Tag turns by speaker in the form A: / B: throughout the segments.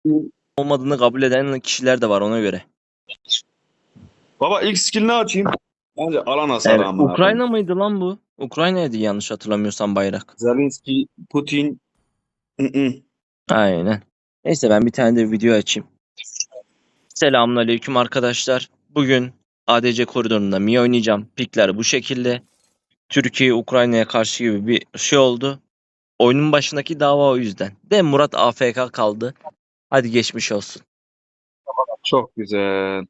A: olmadığını kabul eden kişiler de var ona göre.
B: Baba ilk skill'ini açayım. Bence alan hasarı amına koyayım.
A: Ukrayna mıydı lan bu? Ukrayna'ydı yanlış hatırlamıyorsam bayrak.
B: Zelenski, Putin.
A: Aynen. Neyse ben bir tane de video açayım. Selamünaleyküm arkadaşlar. Bugün ADC koridorunda Mii oynayacağım. Pikler bu şekilde. Türkiye Ukrayna'ya karşı gibi bir şey oldu. Oyunun başındaki dava o yüzden. De Murat AFK kaldı. Hadi geçmiş olsun.
B: Çok güzel.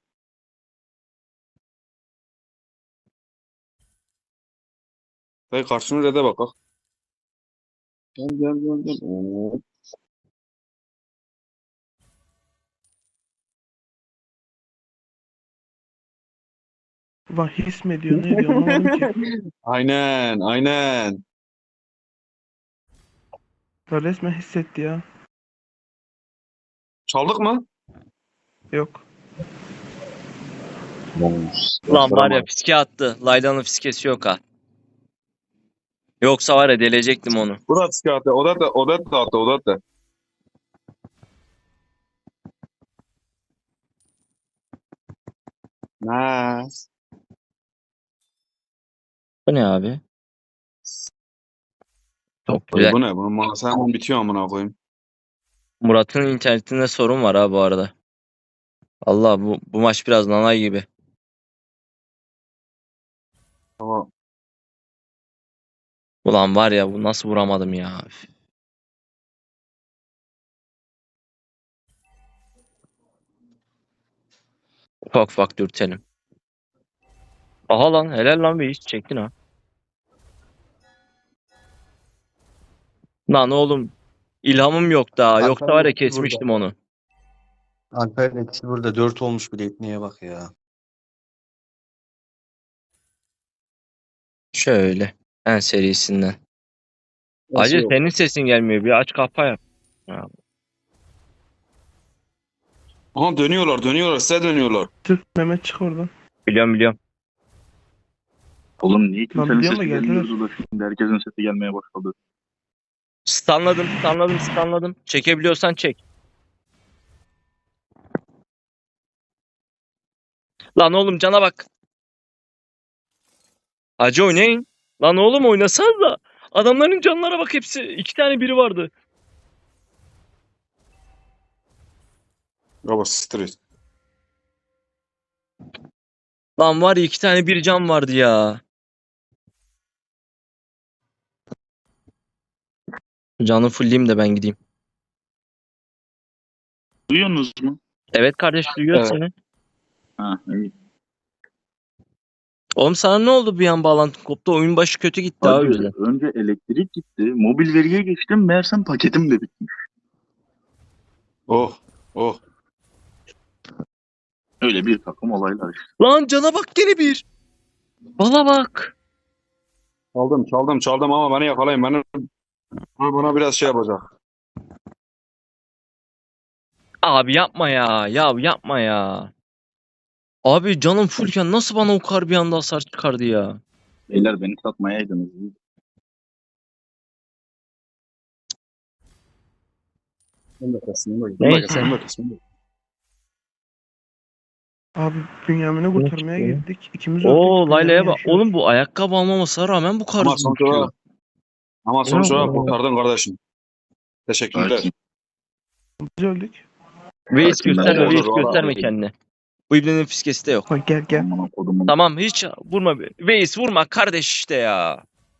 B: Dayı karşını rede bak. Gel gel gel gel. Oo.
C: His mi diyor ne diyor anlamadım ki.
B: Aynen aynen.
C: Ya resmen hissetti ya.
B: Çaldık mı?
C: Yok.
A: Lan var ya fiske attı. Layla'nın fiskesi yok ha. Yoksa var ya delecektim onu.
B: Bu da psikiyatri. O da. Nice.
A: Bu ne abi? Çok
B: Dayı
A: güzel.
B: bu ne? Bunun manası hemen bitiyor amına koyayım.
A: Murat'ın internetinde sorun var ha bu arada. Allah bu maç biraz nanay gibi.
B: Tamam.
A: Ulan var ya bu nasıl vuramadım ya. Üf. Ufak ufak dürtelim. Aha lan helal lan bir iş çektin ha. Lan oğlum ilhamım yok daha. Yoksa var ya
D: Alper'in
A: kesmiştim
D: burada.
A: onu.
D: Alper'in ikisi burada 4 olmuş bile etmeye bak ya.
A: Şöyle. En serisinden.
B: Nasıl
A: Acı
B: yok?
A: senin sesin gelmiyor. Bir aç kapa yap. Ha,
B: Aha dönüyorlar. Size dönüyorlar.
C: Çık Mehmet çık oradan.
A: biliyorum.
E: Oğlum niye kimsenin
C: biliyorum da
E: sesi
C: geldiler.
E: gelmiyordu da şimdi herkesin sesi gelmeye başladı.
A: Stunladım. Çekebiliyorsan çek. Lan oğlum cana bak. Acı oynayın. Lan oğlum oynasanız da. Adamların canlara bak hepsi. 2 tane biri vardı.
B: Baba stres.
A: Lan var ya 2 tane bir can vardı ya. Canı fullleyeyim de ben gideyim.
E: Duyuyorsunuz mu?
A: Evet kardeş duyuyor
B: Evet.
A: seni.
E: Ha iyi.
A: Oğlum sana ne oldu bir an bağlantın koptu. Oyun başı kötü gitti ha o
E: Hadi
A: yüzden.
E: önce elektrik gitti. Mobil veriye geçtim. Meğersem paketim de bitmiş.
B: Oh.
E: Öyle bir takım olaylar işte.
A: Lan cana bak gene bir. Bala bak.
B: Çaldım ama beni yakalayın. Bana biraz şey yapacak.
A: Abi yapma ya. Ya yapma ya. Abi canım fullken nasıl bana o kar bir anda hasar çıkardı ya.
E: Beyler beni satmayaydınız.
A: Neyse.
C: Abi Bünyamin'i kurtarmaya
A: çıktı?
C: gittik. İkimiz öldük.
A: Oo Layla'ya
C: Bünyamin
A: bak.
C: yaşıyor.
A: Oğlum bu ayakkabı almamasına rağmen bu kar
B: Ama
A: hızlı
B: sonuç
A: düşüyor.
B: olarak, ama sonuç olarak kurtardın kardeşim. Teşekkürler.
E: Sakin.
C: Biz öldük.
A: Veys
E: Sakin, ben
A: gösterme,
B: olur,
A: Veys
B: olur.
A: gösterme kendini. Bu ibnenin fiskesi de yok.
C: Bak gel.
E: Aman kodumun.
A: Tamam hiç vurma. Veys vurma kardeş işte ya.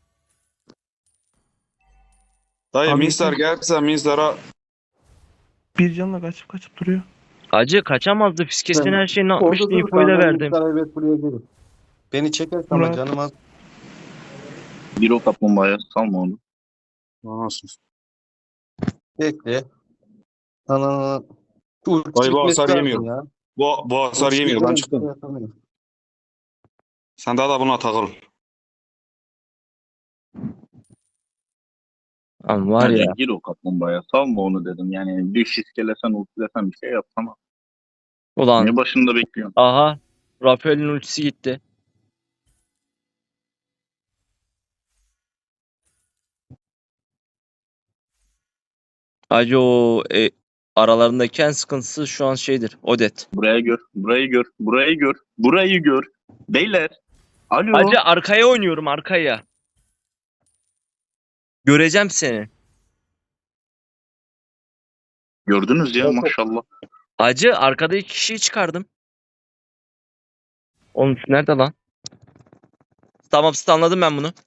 B: Dayı
C: Abi
B: Minstar
C: yeter.
B: gelse Minstar'a
C: Bir canla kaçıp duruyor.
A: Acı kaçamazdı fiskesinin her şeyini
D: Orada
A: atmıştı
D: dur
A: infoyu da
D: kanka,
A: verdim.
D: Muhtar evet buraya gelin. Beni çekersin ama
C: Murat.
D: canım az.
E: Bir o kaplumbağaya salma onu.
B: Nasıl?
D: Bekle. Ana. Şu ulti
B: Dayı bu
D: çekmesi
B: hasar
D: lazım
B: yemiyor.
D: ya.
B: Bu hasar yemiyor. Ben çıktım.
D: Yapamıyorum.
B: Sen daha da buna takıl.
A: Ama var
E: Hadi
A: ya.
E: gir o kaplumbağaya salma onu dedim. Yani bir şiskelesen ultilesen bir şey yapsana.
A: Ulan.
E: Niye başında bekliyorsun?
A: Aha. Rafael'in ultisi gitti. Acı o Aralarındaki en sıkıntısı şu an şeydir. Odet.
E: Buraya gör. Burayı gör. Burayı gör. Burayı gör. Beyler. Alo.
A: Hacı arkaya oynuyorum, arkaya. Göreceğim seni.
E: Gördünüz ya maşallah.
A: Hacı arkada iki kişiyi çıkardım. Oğlum nerede lan? Tamam, anladım ben bunu.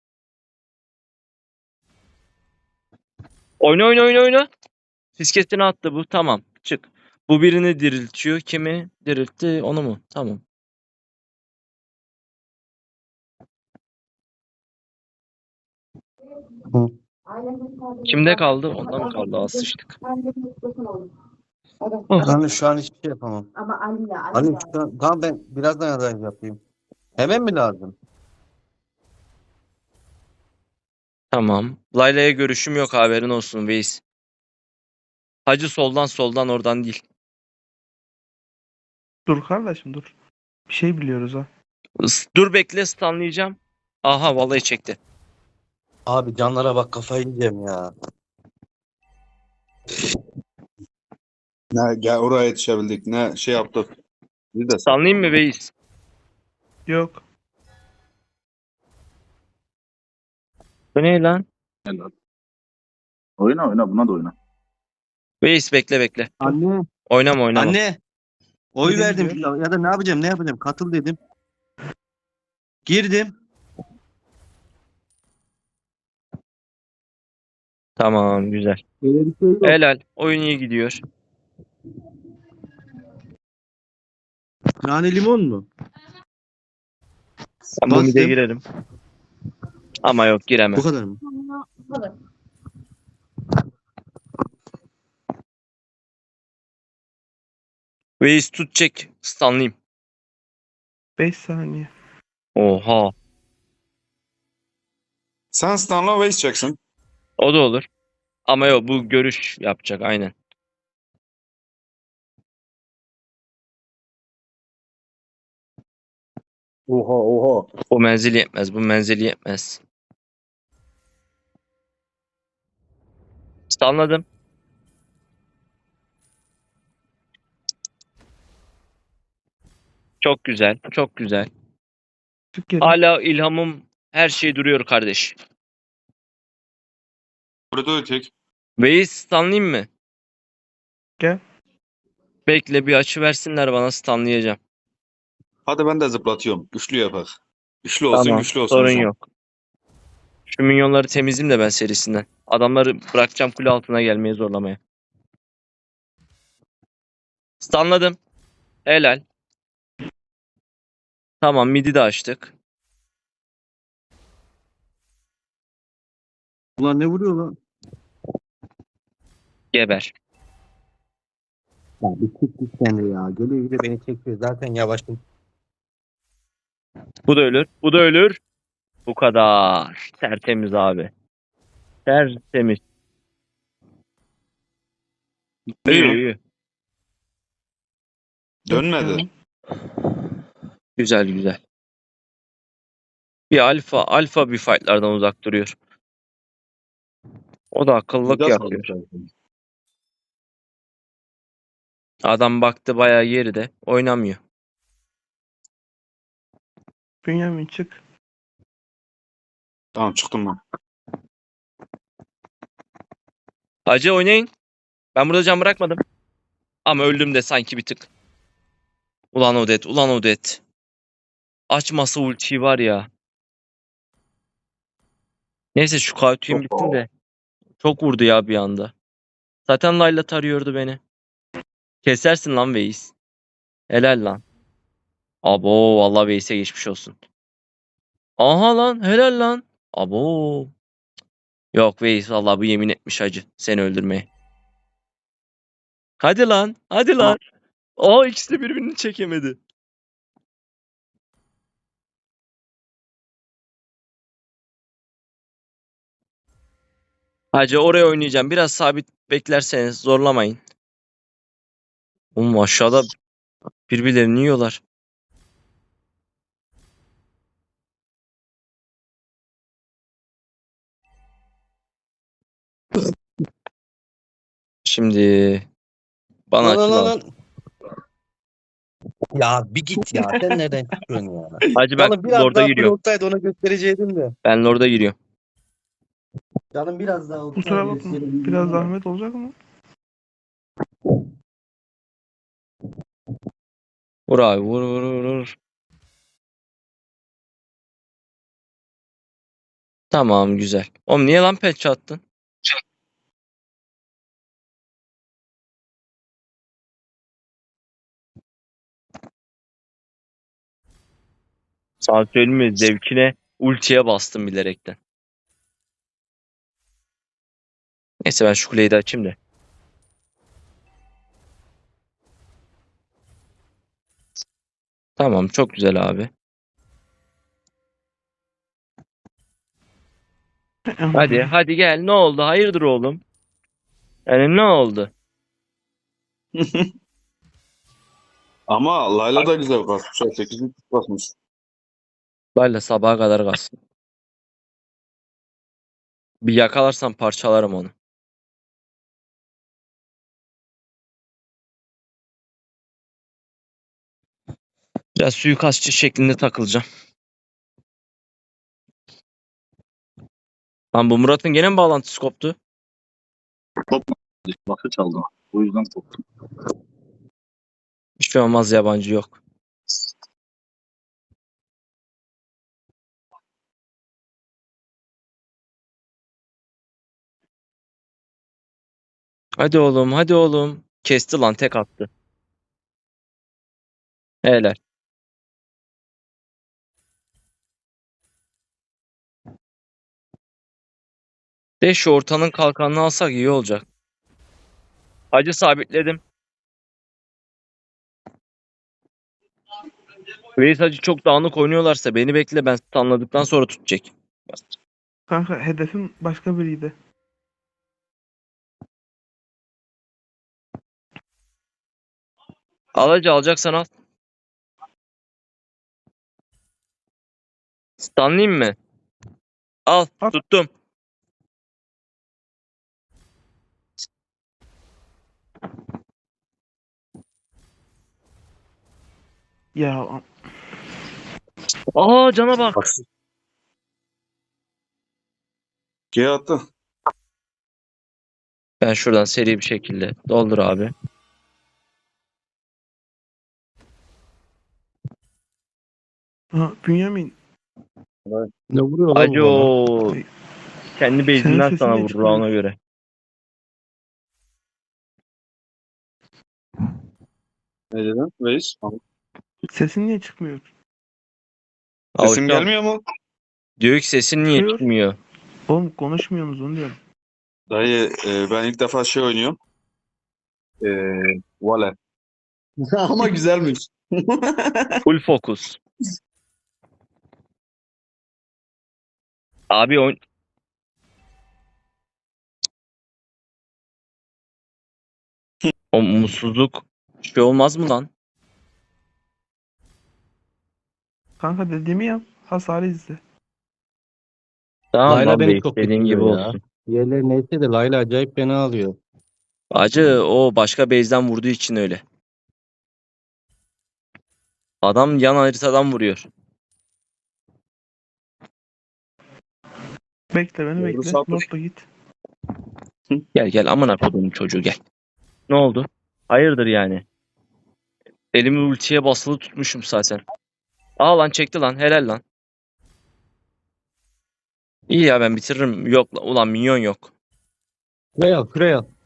A: Oyna oyna oyna oyna. Fiskesini attı bu. Tamam. Çık. Bu birini diriltiyor. Kimi diriltti? Onu mu? Tamam.
D: Hı.
A: Kimde kaldı? Onda mı kaldı? Az sıçtık. Oh.
D: Yani şu an hiçbir şey yapamam.
F: Ama Ali
D: Hani şu an, tamam ben birazdan adayım yapayım. Hemen mi lazım?
A: Tamam. Layla'ya görüşüm yok, haberin olsun Veys. Hacı soldan oradan değil.
C: Dur kardeşim dur. Bir şey biliyoruz ha.
A: Dur bekle, stunlayacağım. Aha vallahi çekti.
D: Abi canlara bak kafayı yiyeceğim ya.
B: Ne gel oraya yetişebildik. Ne şey yaptık. Biz de
A: Stunlayayım mı Veys?
C: Yok.
A: Bu ne lan?
E: Oyna oyna buna da oyna.
A: Veys bekle.
D: Anne.
A: Oynama.
D: Anne. Oy
C: Dedim
D: verdim
C: diyor.
D: ya da ne yapacağım? Katıl dedim. Girdim.
A: Tamam, güzel.
D: Öyle bir şey yok.
A: Helal. Oyun iyi gidiyor.
D: Nane limon mu?
A: Ben bu mide
D: Bastım.
A: girerim. Ama yok, giremem.
D: Bu kadar mı?
A: Veys tut, çek. Stunlayayım.
C: 5 saniye.
A: Oha.
B: Sen Stan'la Waze çeksin.
A: O da olur. Ama yok, bu görüş yapacak aynen.
B: Oha.
A: O menzili yetmez. Bu menzili yetmez. Stunladım. Çok güzel. Çok güzel.
C: Çık geri.
A: Hala ilhamım, her şey duruyor kardeş.
B: Burada ötek.
A: Veys stunlayayım mı?
C: Gel.
A: Bekle, bir açı versinler bana, stunlayacağım.
B: Hadi ben de zıplatıyorum. Güçlü yapak. Güçlü olsun
A: Tamam.
B: güçlü olsun.
A: Sorun
B: hocam.
A: yok. Şu minyonları temizleyeyim de ben serisinden. Adamları bırakacağım kule altına gelmeye, zorlamaya. Stunladım. Helal. Tamam, midi de açtık.
D: Ulan ne vuruyor lan?
A: Geber.
D: Ya bir çık sen de ya. Geliyor beni çekiyor. Zaten yavaşım.
A: Bu da ölür. Bu da ölür. Bu kadar. Tertemiz abi. Tertemiz. İyi
B: ya?
A: iyi.
B: Dönmedi.
A: Güzel. Bir alfa bir fightlardan uzak duruyor. O da akıllılık
B: Biraz
A: yapıyor.
B: aldık.
A: Adam baktı bayağı geride. Oynamıyor.
C: Bünyamin çık.
B: Tamam çıktım ben.
A: Hacı oynayın. Ben burada can bırakmadım. Ama öldüm de sanki bir tık. Ulan Odet. Açmasa ultiyi var ya. Neyse şu Kautuyum bitsin de. Çok vurdu ya bir anda. Zaten Layla tarıyordu beni. Kesersin lan Veys. Helal lan. Abo vallahi Veys'e geçmiş olsun. Aha lan, helal lan. Abo. Yok Veys vallahi bu yemin etmiş hacı seni öldürmeye. Hadi lan. Aa, ikisi de birbirini çekemedi. Hacı oraya oynayacağım. Biraz sabit beklerseniz zorlamayın. Oğlum aşağıda birbirlerini yiyorlar. Şimdi Bana
D: Lan
A: açı
D: lan
A: lazım.
D: lan. Ya bir git ya. Sen nereden çıkıyorsun ya?
A: Hacı ben
D: Canım biraz
A: Lord'a
D: daha full
A: giriyorum.
D: olsaydı ona göstereceydim de.
A: Ben Lord'a giriyorum.
D: Canım biraz daha
C: Kusura
D: olsaydı
C: bakma.
D: göstereceydim
C: Biraz
D: de.
C: zahmet olacak mı?
A: Vur abi vur vur vur vur. Tamam güzel. Oğlum niye lan patch attın? Sana söyleyeyim mi? Zevkine ultiye bastım bilerekten. Neyse ben şu kuleyi de açayım da. Tamam çok güzel abi. Hadi hadi gel ne oldu? Hayırdır oğlum? Yani ne oldu?
B: Ama Layla da güzel kasmış. 8'lik kasmış.
A: Böyle sabaha kadar kalsın. Bir yakalarsam parçalarım onu. Biraz suikastçı şeklinde takılacağım. Lan bu Murat'ın gene mi bağlantısı koptu?
E: Lafı çaldı. O yüzden korktum.
A: Hiç şey olmaz yabancı yok. Hadi oğlum hadi oğlum. Kesti lan tek attı. Helal. De şu ortanın kalkanını alsak iyi olacak. Hacı sabitledim. Reis hacı çok dağınık oynuyorlarsa beni bekle ben stunladıktan sonra tutacak.
C: Kanka hedefim başka biriydi.
A: Al hacı alacaksan al. Stunlayayım mı? Al
C: Al.
A: tuttum.
C: Ya
A: Aa cana bak.
B: Bak. G attı.
A: Ben şuradan seri bir şekilde doldur abi.
C: Bünyamin.
D: Ne vuruyor lan
A: Hacı
D: bu bana?
A: o kendi
C: Senin
A: base'inden
C: sesin
A: sana
C: niye
A: vurur
C: çıkmıyor?
A: ona göre.
B: Ne dedin? Reis.
C: Sesin niye çıkmıyor?
B: Sesim
A: Avuçam.
B: gelmiyor mu?
A: Diyor ki sesin niye
C: Çıkıyor.
A: çıkmıyor?
C: Oğlum konuşmuyorsunuz onu diyorum.
B: Dayı ben ilk defa şey oynuyorum. E, Vale. Ama güzelmiş.
A: Full fokus. Abi o mutsuzluk şey olmaz mı lan?
C: Kanka dediğimi yap. Hasarı izle.
A: Tamam
D: Layla
A: lan
D: beni
A: bey
D: çok
A: dediğin gibi
D: bitiriyor ya.
A: olsun.
D: Diğerleri neyse de Layla acayip fena alıyor.
A: Acı o başka base'den vurduğu için öyle. Adam yan haritadan vuruyor.
C: Bekle beni
B: Doğru
C: bekle.
B: sapmış.
C: Lord'la git.
A: Gel gel amına koduğum çocuğu gel. Ne oldu? Hayırdır yani? Elimi ultiye basılı tutmuşum zaten. Aa lan çekti lan helal lan. İyi ya ben bitiririm. Yok lan ulan minyon yok.
D: Şuraya al şuraya al.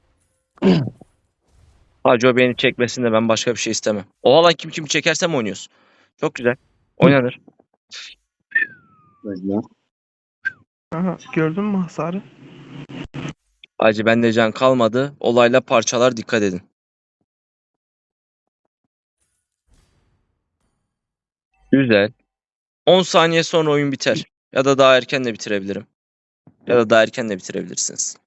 A: Hacı o beni çekmesin de ben başka bir şey istemem. Oha lan kim çekersem oynuyoruz. Çok güzel. Oynanır.
B: Bekle.
C: Kanka gördün mü hasarı?
A: Hacı bende can kalmadı. Olayla parçalar dikkat edin. Güzel. 10 saniye sonra oyun biter. Ya da daha erken de bitirebilirim. Ya da daha erken de bitirebilirsiniz.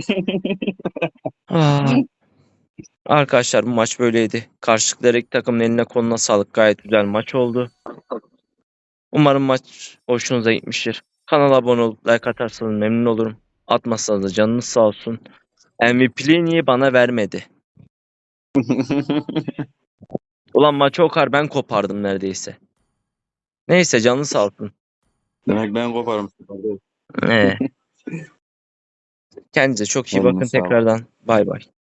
A: Ah. Arkadaşlar bu maç böyleydi. Karşılıklı her iki takımın eline koluna sağlık. Gayet güzel maç oldu. Umarım maç hoşunuza gitmiştir. Kanala abone olup like atarsanız memnun olurum. Atmazsanız da canınız sağ olsun. MVP'liği niye bana vermedi? Ulan maçı o kadar ben kopardım neredeyse. Neyse canlı sağ olsun.
B: Demek ben koparım.
A: Kendinize çok iyi
B: Eline
A: bakın
B: sağlık.
A: tekrardan. Bay bay.